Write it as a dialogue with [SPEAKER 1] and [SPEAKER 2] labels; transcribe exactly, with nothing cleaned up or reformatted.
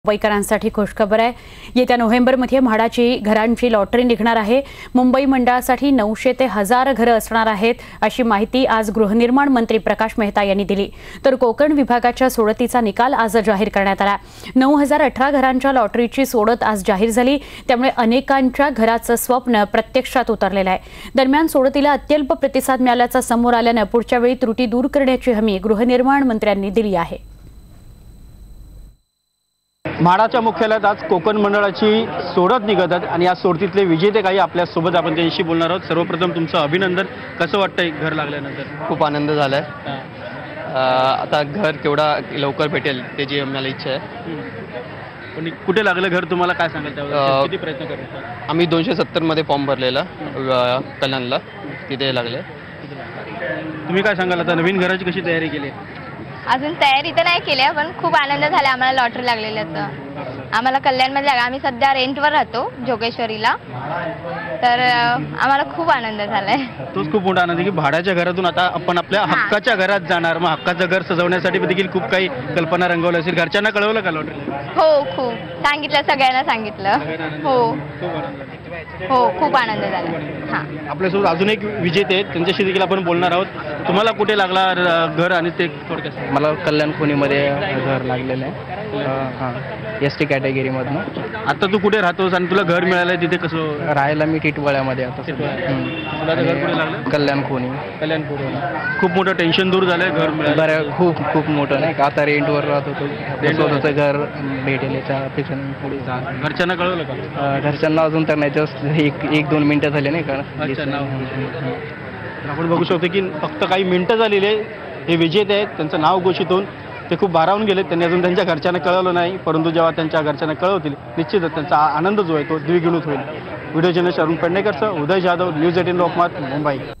[SPEAKER 1] मुंबईकरांसाठी खुशखबर आहे। येत्या नोव्हेंबरमध्ये म्हाडाची घरांची लॉटरी निघणार आहे। मुंबई मंडळासाठी नऊशे ते हजार घरं असणार आहेत, अशी माहिती आज गृहनिर्माण मंत्री प्रकाश मेहता यांनी दिली। तर कोकण विभागाच्या सोडतीचा निकाल आज जाहीर करण्यात आला। नऊ हजार अठरा घरांच्या लॉटरीची सोडत आज जाहीर झाली, त्यामुळे अनेकांच्या घराचं स्वप्न प्रत्यक्षात उतरलेलं आहे। दरम्यान सोडतीला अत्यल्प प्रतिसाद मिळाल्याचं समोर आल्यानं पुढच्या वेळी त्रुटी दूर करण्याची हमी गृहनिर्माण मंत्र्यांनी दिली आहे।
[SPEAKER 2] म्हाडाच्या मुख्यालयात आज कोकण मंडळाची सोडत निघत आहे आणि या सोडतीतले विजेते काही आपल्या सोबत आपण त्यांच्याशी बोलणार आहोत। सर्वप्रथम तुमचं अभिनंदन। कसं वाटतंय घर लागल्यानंतर?
[SPEAKER 3] खूप आनंद झालाय। आता घर केवढा लवकर भेटेल त्याची आम्हाला इच्छा आहे।
[SPEAKER 2] पण कुठे लागलं घर तुम्हाला, काय सांगाल त्यावर? किती प्रयत्न करत?
[SPEAKER 3] आम्ही दोनशे सत्तर मध्ये फॉर्म भरलेला कल्याणला, तिथे लागले।
[SPEAKER 2] तुम्ही काय सांगाल, आता नवीन घराची कशी तयारी केली?
[SPEAKER 4] अजून तयारी तर नाही केली, पण खूप आनंद झाला आम्हाला लॉटरी लागलेल्याचा। आम्हाला कल्याणमध्ये लागला, आम्ही सध्या रेंटवर राहतो जोगेश्वरीला, तर आम्हाला खूप आनंद झालाय।
[SPEAKER 2] तोच खूप मोठा आनंद आहे की भाड्याच्या घरातून आता आपण आपल्या हक्काच्या घरात जाणार। मग हक्काचं घर सजवण्यासाठी देखील खूप काही कल्पना रंगवल्या असेल। घरच्यांना कळवलं का लॉटरी?
[SPEAKER 4] हो, खूप सांगितलं, सगळ्यांना सांगितलं। हो हो खूप आनंद झाला। हां,
[SPEAKER 2] आपल्यासोबत अजून एक विजेते आहेत, त्यांच्याशी देखील आपण बोलणार आहोत। तुम्हाला कुठे लागला घर आणि ते थोडक्यात?
[SPEAKER 5] मला कल्याण खोनीमध्ये घर लागलेलं आहे, हां, एस टी कॅटेगरीमधनं।
[SPEAKER 2] आता तू कुठे राहतोस आणि तुला घर मिळालंय तिथे कसं?
[SPEAKER 5] राहायला मी टिटवाळ्यामध्ये आता
[SPEAKER 2] तुला घर कुठे लागलं?
[SPEAKER 5] कल्याण खोनी।
[SPEAKER 2] कल्याण खोनी खूप मोठं टेन्शन दूर झालंय, घर मिळालं?
[SPEAKER 5] बरं, खूप खूप मोठं नाही का, आता रेंटवर राहत होतो, स्वतःचं घर भेटेल याच्या अपेक्षा पुढे जा।
[SPEAKER 2] घरच्यांना कळवलं का?
[SPEAKER 5] घरच्यांना अजून तर नाही, जस्ट एक एक दोन मिनटं झाले नाही का।
[SPEAKER 2] आपण बघू शकतो की फक्त काही मिनिटं झालेली आहे, हे विजेते आहेत, त्यांचं नाव घोषित होऊन ते खूप भारावून गेले। त्यांनी अजून त्यांच्या घरच्यांना कळवलं नाही, परंतु जेव्हा त्यांच्या घरच्यांना कळवतील निश्चितच त्यांचा आनंद जो आहे तो द्विगुणित होईल। व्हिडिओ जर्नलिस्ट अरुण पेडणेकरसह उदय जाधव, न्यूज एटीन लोकमत, मुंबई।